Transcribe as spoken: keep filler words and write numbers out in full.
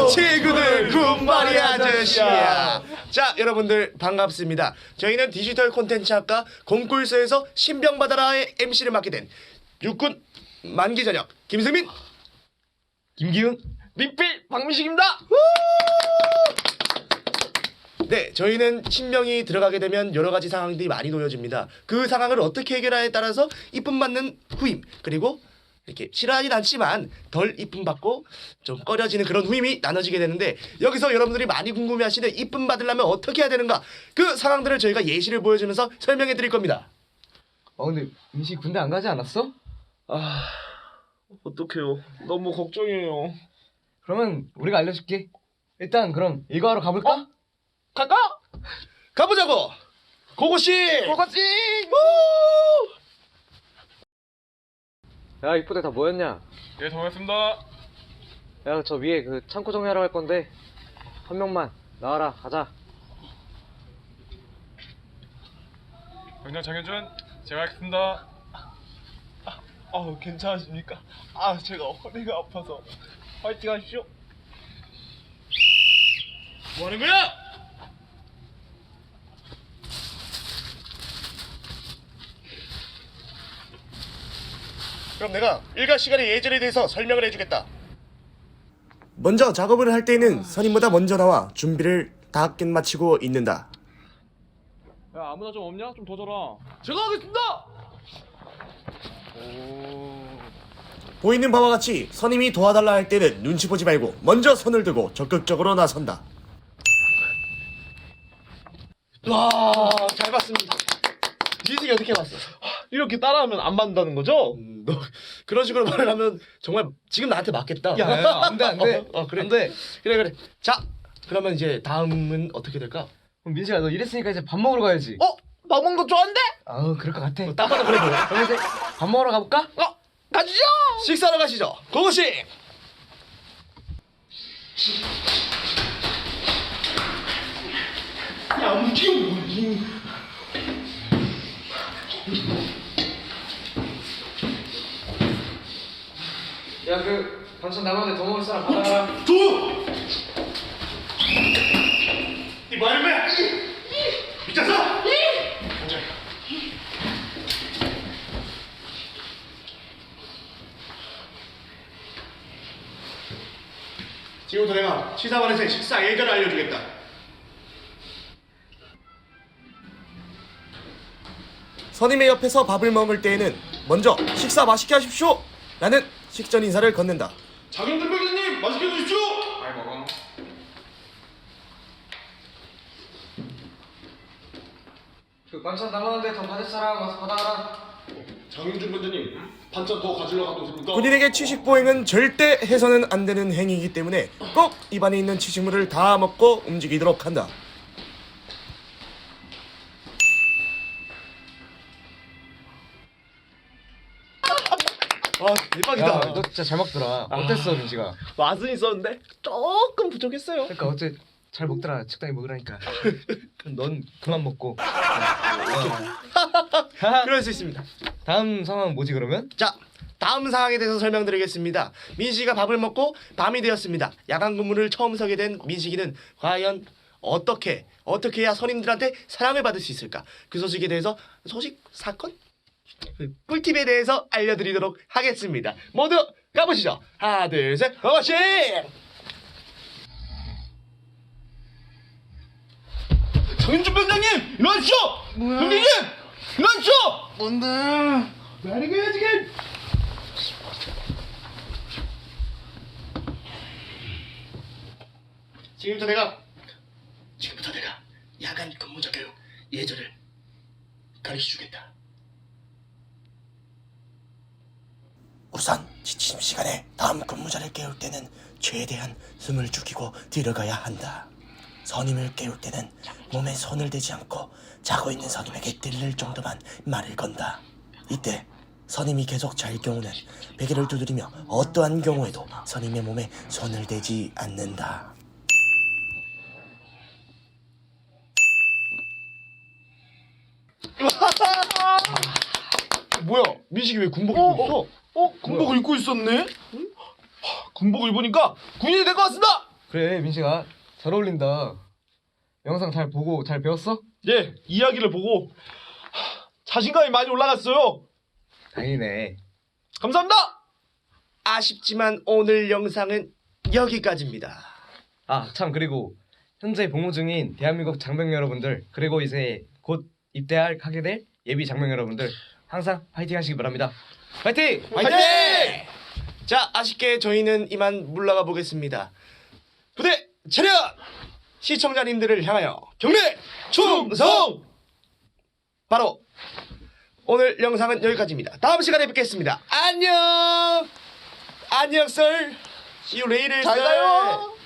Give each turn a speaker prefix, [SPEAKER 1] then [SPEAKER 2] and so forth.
[SPEAKER 1] 친구들 군말이 아저씨야. 자, 여러분들 반갑습니다. 저희는 디지털 콘텐츠 학과 공꿀서에서 신병받아라의 엠씨를 맡게 된 육군 만기전역 김승민,
[SPEAKER 2] 김기훈, 빅필 박민식입니다.
[SPEAKER 1] 네, 저희는 신병이 들어가게 되면 여러 가지 상황들이 많이 놓여집니다. 그 상황을 어떻게 해결하에 따라서 이쁨 받는 후임, 그리고 이렇게 싫어하진 않지만 덜 이쁨 받고 좀 꺼려지는 그런 후임이 나눠지게 되는데, 여기서 여러분들이 많이 궁금해하시는 이쁨 받으려면 어떻게 해야 되는가, 그 상황들을 저희가 예시를 보여주면서 설명해 드릴 겁니다.
[SPEAKER 2] 어 근데 민식 군대 안 가지 않았어?
[SPEAKER 3] 아, 어떡해요. 너무 걱정이에요.
[SPEAKER 2] 그러면 우리가 알려줄게. 일단 그럼 이거 하러 가볼까?
[SPEAKER 3] 어? 갈까?
[SPEAKER 1] 가보자고! 고고씨!
[SPEAKER 2] 고고씨! 야 이쁘대 다 모였냐?
[SPEAKER 3] 예, 정했습니다.
[SPEAKER 2] 야 저 위에 그 창고 정리하러 갈 건데 한 명만 나와라. 가자.
[SPEAKER 3] 병장 장현준, 제가 하겠습니다. 아, 아우, 괜찮으십니까? 아, 제가 허리가 아파서. 파이팅 하십시오. 뭐 하는 거야?
[SPEAKER 1] 그럼 내가 일과 시간의 예절에 대해서 설명을 해주겠다. 먼저 작업을 할 때에는 선임보다 먼저 나와 준비를 다 끝마치고 있는다.
[SPEAKER 3] 야, 아무나 좀 없냐? 좀 더 줘라. 제가 하겠습니다! 오.
[SPEAKER 1] 보이는 바와 같이 선임이 도와달라 할 때는 눈치 보지 말고 먼저 손을 들고 적극적으로 나선다. 와, 잘 봤습니다. 니들이 어떻게 봤어?
[SPEAKER 3] 이렇게 따라하면 안 맞는다는 거죠?
[SPEAKER 1] 음, 너 그런 식으로 말을 하면 정말 지금 나한테 맞겠다.
[SPEAKER 2] 야, 야, 안 돼, 안 돼.
[SPEAKER 1] 어, 어, 그래.
[SPEAKER 2] 안 돼.
[SPEAKER 1] 그래 그래. 자, 그러면 이제 다음은 어떻게 될까?
[SPEAKER 2] 그럼 민식아 너 이랬으니까 이제 밥 먹으러 가야지.
[SPEAKER 3] 어? 밥 먹는 거 좋아한대?
[SPEAKER 2] 아우 그럴 것 같아.
[SPEAKER 1] 딱 봐도 그래 보여.
[SPEAKER 2] 그럼 이제 밥 먹으러 가볼까?
[SPEAKER 3] 어? 가시죠!
[SPEAKER 1] 식사하러 가시죠. 고고씨. 야, 움직여.
[SPEAKER 2] 야 그 반찬 남았는데 더 먹을 사람 받아라.
[SPEAKER 1] 두. 이 뭐하는 거야? 미쳤어? 지금부터 내가 시사반에서의 식사 예절을 알려주겠다. 선임의 옆에서 밥을 먹을 때에는 먼저 식사 맛있게 하십시오 라는 식전 인사를 건넨다.
[SPEAKER 3] 장현준 병장님, 맛있게 드십시오! 잘 먹어.
[SPEAKER 2] 그 반찬 남았는데 더 받을 사람 와서 받아라.
[SPEAKER 3] 장현준 병장님, 반찬 더 가지러 가도 됩니까?
[SPEAKER 1] 군인에게 취식보행은 절대 해서는 안 되는 행위이기 때문에 꼭 입안에 있는 취식물을 다 먹고 움직이도록 한다. 와, 대박이다.
[SPEAKER 2] 야 너 진짜 잘 먹더라. 어땠어 민식아?
[SPEAKER 3] 맛은 있었는데 조금 부족했어요.
[SPEAKER 2] 그러니까 어째 잘 먹더라. 적당히 먹으라니까. 넌 그만 먹고.
[SPEAKER 1] 그럴 수 있습니다.
[SPEAKER 2] 다음 상황은 뭐지 그러면?
[SPEAKER 1] 자, 다음 상황에 대해서 설명드리겠습니다. 민식이가 밥을 먹고 밤이 되었습니다. 야간 근무를 처음 서게 된 민식이는 과연 어떻게 어떻게 해야 선임들한테 사랑을 받을 수 있을까? 그 소식에 대해서 소식 사건 그 꿀팁에 대해서 알려드리도록 하겠습니다. 모두 가보시죠. 하나, 둘, 셋, 고고씨!
[SPEAKER 3] 장현준 병장님, 일어나십시오! 병장님, 일어나십시오! 뭔데? 말이 거야 지금?
[SPEAKER 1] 지금부터 내가 지금부터 내가 야간 근무자 교육 예절을 가르쳐주겠다. 우선 지침 시간에 다음 근무자를 깨울 때는 최대한 숨을 죽이고 들어가야 한다. 선임을 깨울 때는 몸에 손을 대지 않고 자고 있는 선임에게 들릴 정도만 말을 건다. 이때 선임이 계속 잘 경우는 베개를 두드리며 어떠한 경우에도 선임의 몸에 손을 대지 않는다.
[SPEAKER 3] 뭐야? 민식이 왜 군복 입고 있어? 어? 군복을 입고 있었네? 하, 군복을 입으니까 군인이 된 것 같습니다!
[SPEAKER 2] 그래 민식아 잘 어울린다. 영상 잘 보고 잘 배웠어?
[SPEAKER 3] 예, 이야기를 보고 하, 자신감이 많이 올라갔어요.
[SPEAKER 2] 다행이네.
[SPEAKER 3] 감사합니다.
[SPEAKER 1] 아쉽지만 오늘 영상은 여기까지입니다.
[SPEAKER 2] 아 참 그리고 현재 복무 중인 대한민국 장병 여러분들 그리고 이제 곧 입대할 하게 될 예비 장병 여러분들 항상 파이팅 하시기 바랍니다. 파이팅!
[SPEAKER 1] 화이팅! 자, 아쉽게 저희는 이만 물러가 보겠습니다. 부대 차렷! 시청자님들을 향하여 경례 충성! 바로 오늘 영상은 여기까지입니다. 다음 시간에 뵙겠습니다. 안녕! 안녕, 썰! See you later,
[SPEAKER 3] 잘
[SPEAKER 1] 썰.
[SPEAKER 3] 가요.